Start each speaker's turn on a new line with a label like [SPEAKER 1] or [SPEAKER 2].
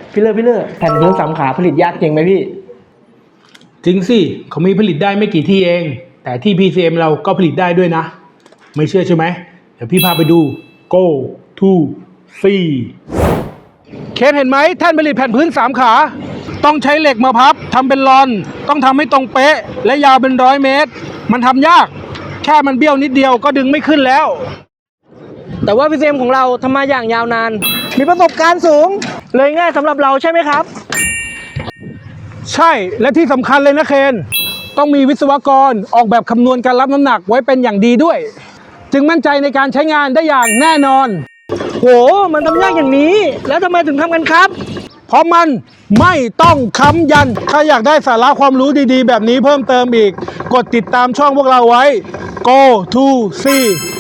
[SPEAKER 1] พี่เลิศแผ่นพื้น3 ขาผลิตยากจริงไหมพี่
[SPEAKER 2] จริงสิเขามีผลิตได้ไม่กี่ที่เองแต่ที่ PCM เราก็ผลิตได้ด้วยนะไม่เชื่อใช่ไหมเดี๋ยวพี่พาไปดู Go to see เคนเห็นไหมแท่นผลิตแผ่นพื้น3 ขาต้องใช้เหล็กมาพับทำเป็นรอนต้องทำให้ตรงเป๊ะและยาวเป็น100 เมตรมันทำยากแค่มันเบี้ยวนิดเดียวก็ดึงไม่ขึ้นแล้ว
[SPEAKER 1] แต่ว่า PCM ของเราทำมาอย่างยาวนานมีประสบการณ์สูงเลยง่ายสำหรับเราใช่ไหมครับ
[SPEAKER 2] ใช่และที่สำคัญเลยนะเคนต้องมีวิศวกรออกแบบคำนวณการรับน้ำหนักไว้เป็นอย่างดีด้วยจึงมั่นใจในการใช้งานได้อย่างแน่นอน
[SPEAKER 1] โหมันทำยากอย่างนี้แล้วทำไมถึงทำกันครับ
[SPEAKER 2] เพราะมันไม่ต้องค้ำยันถ้าอยากได้สาระความรู้ดีๆแบบนี้เพิ่มเติมอีกกดติดตามช่องพวกเราไว้ Go to see